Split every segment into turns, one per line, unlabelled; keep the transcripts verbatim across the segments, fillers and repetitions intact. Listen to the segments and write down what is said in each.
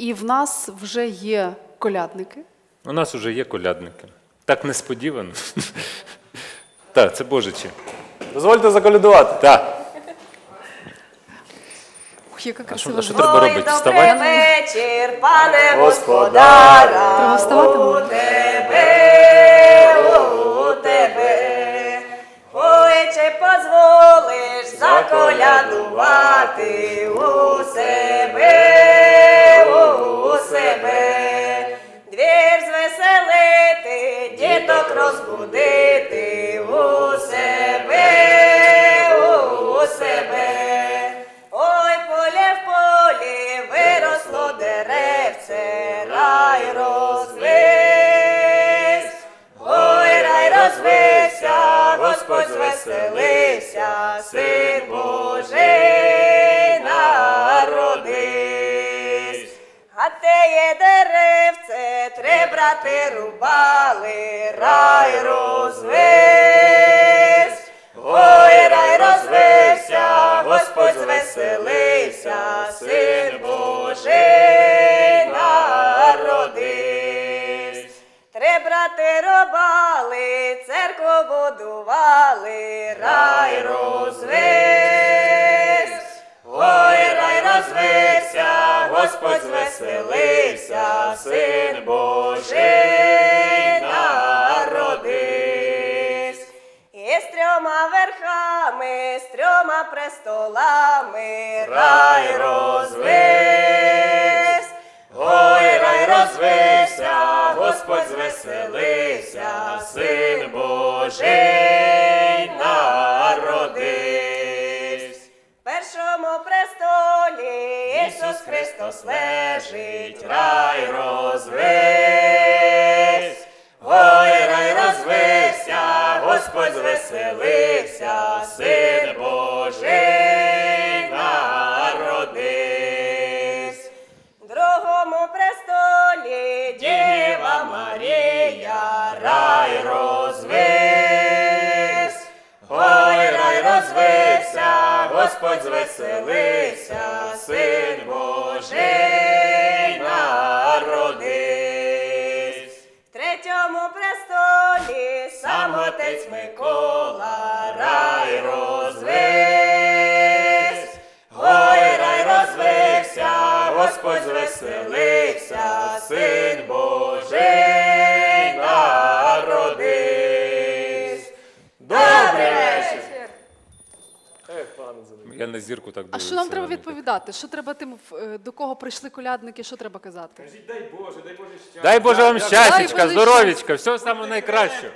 І в нас вже є колядники.
У нас вже є колядники. Так несподівано. Так, це Божичі.
Дозвольте заколядувати.
Так.
Ух, яка
А що,
красива
а що
звучить.
треба робити?
Добрий
Вставати?
вечір, пане
Господаря.
Треба
господаря,
вставати?
у тебе, у тебе. Ой, чи позволиш заколядувати у себе, у себе. Двір звеселити, діток розбудити у себе, у себе. Ой, поле в полі виросло деревце, рай розвився. Ой, рай розвився, Господь звеселився, Син Божий народився. А теє деревце три брати рубали, рай розвився. Ой, рай розвився, Господь звеселився, Син Божий народився. Три брати рубали, церкву будували, рай розвився. Ой, рай розвився, Господь звеселився, Син Божий народився. І з трьома верхами, з трьома престолами, рай розвився. Ой, рай розвився, Господь звеселився, Син Божий народився. В першому престолі Ісус Христос лежить, рай розвився. Ой, рай розвився, Господь звеселився, Син Божий народився. В другому престолі Діва Марія, рай розвився. Ой, рай розвився, Господь звеселився, Син Божий народився. В третьому престолі сам Отець Микола, рай розвився. Ой, рай розвився, Господь звеселився, Син Божий народився. Добрий вечір!
Ех, пане Зиновій.
Я на зірку так
А
дивлюся.
що нам треба
вони
відповідати? Що треба тим, е, до кого прийшли колядники, що треба казати?
Кажіть, дай Боже, дай Боже щастя.
так. Дай Боже вам
Дай
щастячка,
Боже
здоров'ячка, всього самого найкращого.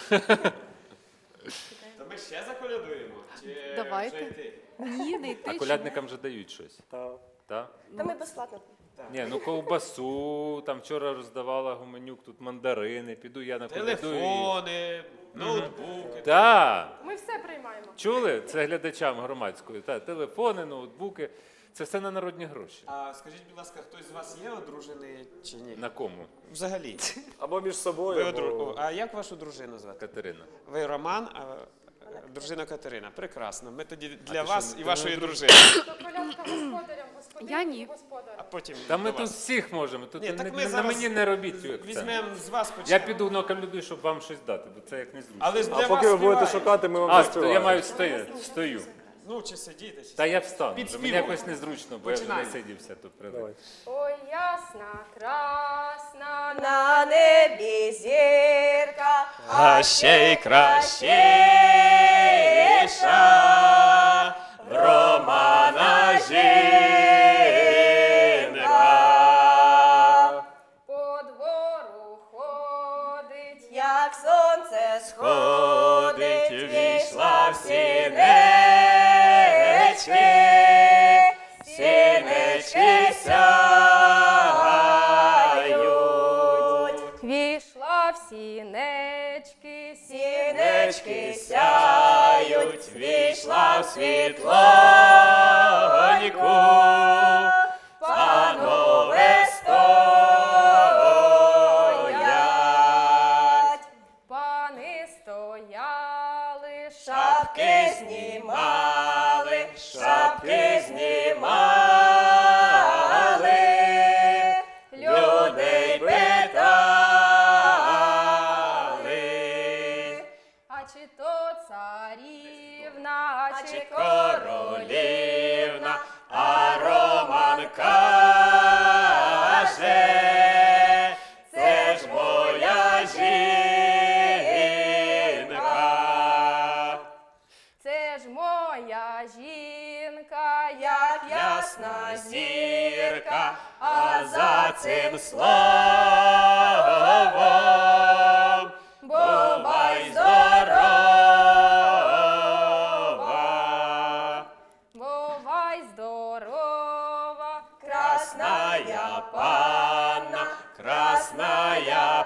Та ми ще заколядуємо? Чи
Давайте.
вже йти?
Ні, не йти.
А колядникам вже дають щось.
Та.
Так?
Та ми безплатно.
Ні, ну ковбасу, там вчора роздавала Гуменюк, тут мандарини, піду я на колядую.
Телефони, ноутбуки.
Так.
Ми все приймаємо.
Чули? Це глядачам громадської. Та, телефони, ноутбуки. Це все на народні гроші.
А скажіть, будь ласка, хтось з вас є одружений чи ні?
На кому?
Взагалі.
Або між собою,
Ви
або...
одру... А як вашу дружину звати?
Катерина.
Ви Роман, а дружина Катерина. Прекрасно. Ми тоді для
ти
вас
що,
і
ти
вашої
не
дружини.
То колядка господарям, господиням
Я ні.
і господарям.
А потім
Та
до
ми тут
вас.
всіх можемо. Тут
Ні,
не,
так ми
не- на
зараз
мені не робіть. цю акцент.
Візьмемо з вас
Я
почнемо.
піду на колядую, щоб вам щось дати, бо це як незручно.
Але ж
А
для
поки
вас
ви будете
співають.
шукати, ми вам
А, то
заспіваємо.
я маю стояти, стою.
Ну, чи сидіти, чи
Та я встану.
Під
вже Мені
співом.
якось незручно, бо я вже не
Починаємо.
сидівся тут. привик.
Давай.
Ой, ясна, красна,
На небі зірка,
А ще й кращіша в Романа жінка.
по двору ходить,
як сонце сходить, війшла в сінечки, сінечки сяють,
війшла в сінечки,
сінечки сяють, війшла в світлоньку, панове стоять,
пани стояли,
шапки знімали, шапки знімали,
королівна,
А
чи
чи
королівна,
королівна, а Роман каже, це ж моя жінка.
це ж моя жінка, як
Ясна зірка, а за цим словом бувай здорова.
бувай здорова,
Красная панна, красная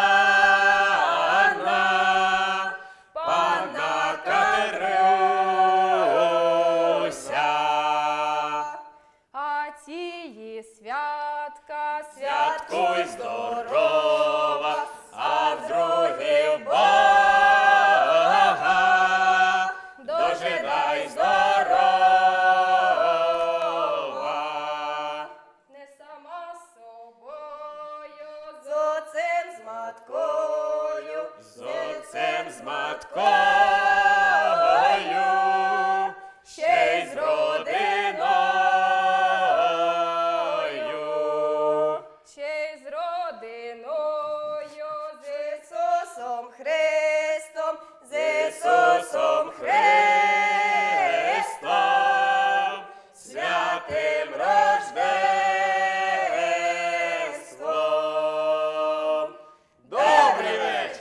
панна, панна Катеруся.
а цієї святка,
Святкуй здорова, а в другий Бога дожидай здорова.
не сама собою,
З отцем, з маткою, з отцем, з маткою, ще й з родиною.
ще й з родиною, з
Ісусом Христом, з Ісусом Христом, святим Рождеством. Добрий вечір!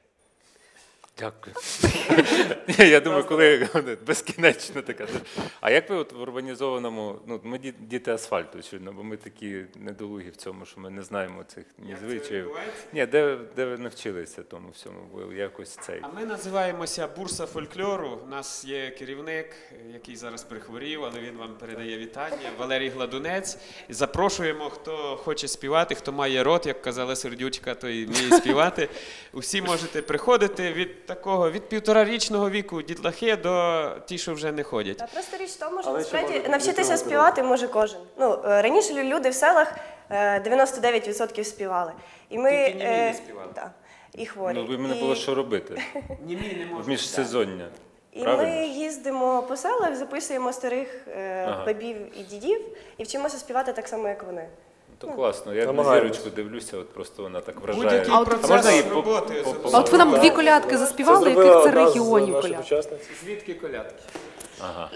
Дякую. Ні, я думаю, коли безкінечно така. А як ви от в урбанізованому, ну ми ді- діти асфальту, очевидно, бо ми такі недолугі в цьому, що ми не знаємо цих ні звичаїв.
відбувається?
Ні, де, де ви навчилися тому всьому? Ви якось цей.
А ми називаємося Бурса фольклору. У нас є керівник, який зараз прихворів, але він вам передає вітання. Валерій Гладунець. І запрошуємо, хто хоче співати, хто має рот, як казала Сердючка, той вміє співати. Усі можете приходити від такого, від півторарічного віку дітлахи до ті, що вже не ходять.
Та просто річ в тому, що
Але ще
насправді
може
навчитися
бути
співати може кожен. Ну, е, раніше лю- люди в селах е, дев'яносто дев'ять відсотків співали. І ми,
Тільки німі не
е,
співали.
да, і хворі.
Ну, ви мене
і,
було що робити?
Німі не
В
можуть.
міжсезоння.
і
Правильно?
ми їздимо по селах, записуємо старих е,
Ага.
бабів і дідів і вчимося співати так само, як вони.
То класно. Я на
Намагаємось.
зірочку дивлюся, от просто вона так вражає.
Будь-який
А от-
процес
можна її по-
роботи.
по-
записати.
А от ви нам дві колядки заспівали, яких це регіонів колядки?
колядки.
Звідки колядки?
Ага.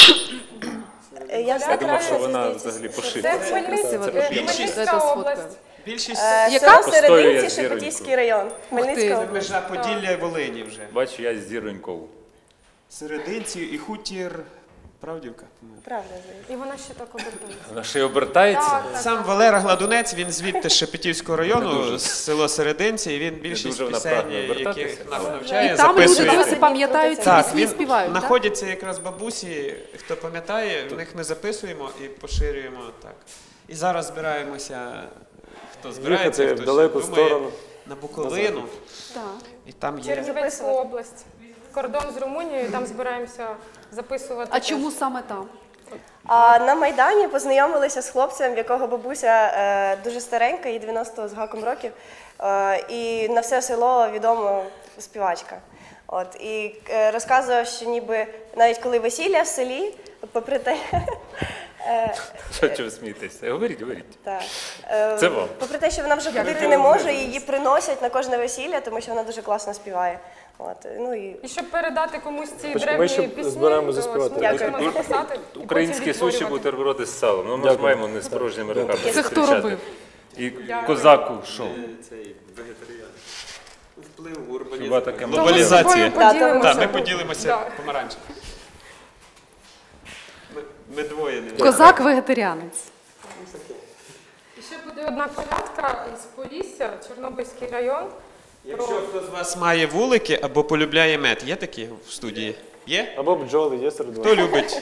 Е, Я,
Я думав, що вона взагалі
це
пошита.
Хмельницька,
Це
Хмельницька
це
область.
Більшість
Е,
Яка?
село
Постоює
Серединці,
з зіронькою.
Шепетівський район, Хмельницька
ти.
область.
межа Поділля і Волині вже.
Бачу, я з зіронькою.
Серединці і хутір Правдівка. по-моєму.
Правда, здається.
І вона ще так обертається.
Вона ще й обертається.
Так, так.
Сам Валера Гладунець, він звідти з Шепетівського району, з село Серединці, і він більшість
дуже вона
пісень,
прагне обертатися,
яких нас
але-
навчає,
І там люди
записує.
досі пам'ятають ці
Так,
пісні і
він
співають. так?
знаходяться якраз бабусі, хто пам'ятає, в них ми записуємо і поширюємо так. І зараз збираємося, хто збирається,
Їхати
хто
в далеку
ще думає,
сторону.
на Буковину,
Так.
і там є.
Чернівецьку область. Кордон з Румунією, там збираємося записувати.
А
теж.
чому саме там?
А на Майдані познайомилися з хлопцем, в якого бабуся е, дуже старенька, їй дев'яносто з гаком років, е, і на все село відома співачка. От, і е, розказував, що ніби навіть коли весілля в селі, попри те, е,
Що чого смієтеся? Говоріть, говоріть.
та, е,
Це вам.
попри те, що вона вже ходити не може, її приносять на кожне весілля, тому що вона дуже класно співає. От, ну, і
І щоб передати комусь ці
Почекай,
древні
ми ще
пісні,
збираємося
то
заспівати.
ми
Дякую.
можемо записати і потім
Українські суші,
відтворювати.
бутерброди з салом. Ну, ми ж
Дякую.
маємо не з порожніми руками
Це хто
зустрічати.
робив?
І козаку шоу.
Цей вегетаріан. Вплив
Хіба таке
То ми з
Глобалізація.
тобою
Да,
поділимося.
Так, ми поділимося
Да.
помаранчем. Ми, ми двоє не
Козак-вегетаріанець.
І ще буде одна колядка з Полісся, Чорнобильський район.
Якщо хто з вас має вулики або полюбляє мед, є такі в студії? Є?
Або бджоли є серед вас.
Хто любить?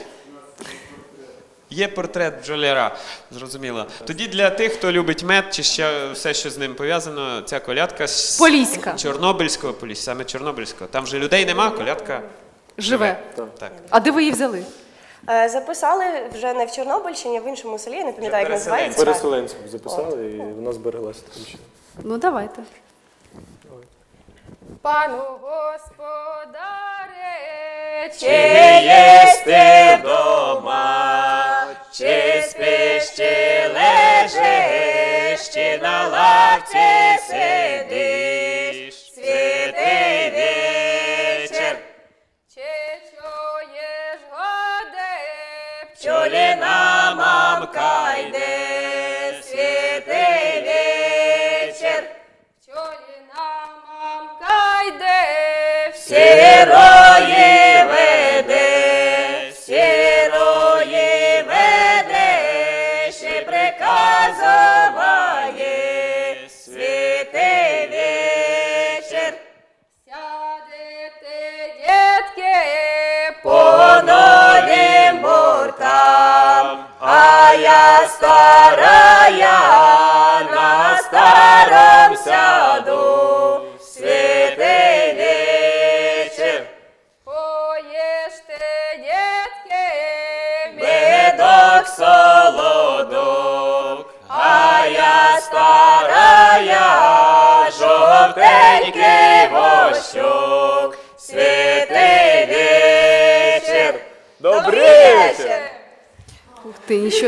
Є портрет бджоляра, зрозуміло. Тоді для тих, хто любить мед чи ще все, що з ним пов'язано, ця колядка з
Поліська.
Чорнобильського полісся, саме Чорнобильського. Там же людей нема, колядка
Живе.
так.
А де ви її взяли?
е, записали вже не в Чорнобильщині, а в іншому селі, я не пам'ятаю, як
переселенці.
називається.
Переселенців записали і вона збереглася таким чином.
Ну, давайте.
Пану господаре,
Чи єсть ти вдома, чи спиш, чи лежиш, чи на лавці сидиш, святий вечір.
чи чуєш годи,
Пчоліна мамка йде, святий вечір.
пчоліна мамка йде,
Сірої веде, сірої веде, ще приказуває, святий вечір.
сядете, дітки,
По новим бортам, а я старая, на старом сяду, святий вечір.
поїжте, дітки,
Медок солодок, а я старая, жовтенький вощук, святий вечір. Добрий вечір.
Ух ти, нічого.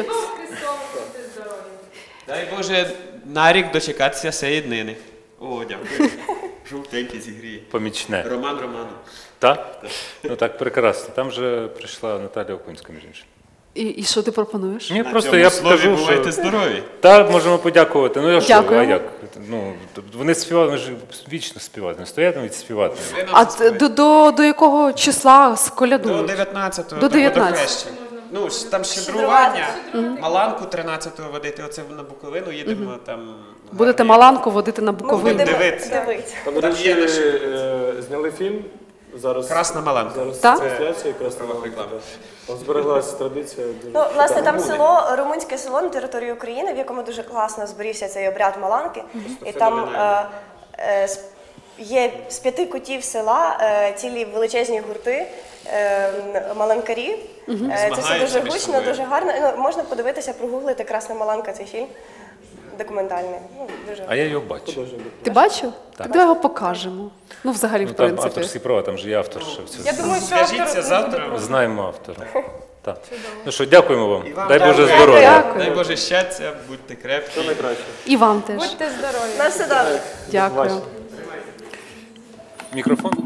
Дай Боже, на рік дочекатися цієї днини. О, дякую. Жовтенький зігріє.
Помічне.
Роман Роману.
Так? Ну так, прекрасно. Там же прийшла Наталя Окунська, між іншим.
І, і що ти пропонуєш?
Ні,
На
просто
цьому
я
слові
скажу,
бувайте
що...
здорові.
Так, можемо подякувати. Ну, я що, а
Дякуємо.
як? Ну, вони співали, вони ж вічно співають, не стоятимуть співати.
Ви нам
А
заспіваєте.
т- до, до, до якого числа з
До
колядують?
дев'ятнадцятого.
До
до
дев'ятнадцятого.
водохреща. Ну, ж там щедрування. Маланку тринадцятого водити. Оце на Буковину їдемо там.
Будете
гарні-
Маланку водити на
Ми
Буковину.
будемо
дивитися.
дивитися.
Там, до
Там
речі,
є наші-
е, зняли фільм. Зараз,
Красна Маланка.
зараз
Так?
трансляція Красна Маланка. Там збереглася традиція. Дуже
Ну, власне, там
Румуни.
село, румунське село на території України, в якому дуже класно зберігся цей обряд Маланки. І там
феноменально.
е, е, з- є з п'яти кутів села е, цілі величезні гурти е, маланкарів. Е, Це все
Змагаються
дуже
між
гучно,
собою.
дуже гарно. Ну, можна подивитися, прогуглити Красна Маланка, цей фільм документальний. Ну, дуже
А я його бачу.
художній дух.
Ти бачив? Так давай його покажемо. Ну, взагалі,
Ну,
в
там
принципі.
авторські права, там же є автор. Що в цьому.
Я думаю, що
Скажіться
автор
завтра.
Знаємо автора. Так. Ну що, дякуємо вам.
І вам
Дай Боже
дякую.
здоров'я.
Дякую.
Дай Боже щастя, будьте крепкі.
Найкраще.
І вам теж.
будьте здорові.
на все добре.
Дякую.
Бачите.
Мікрофон.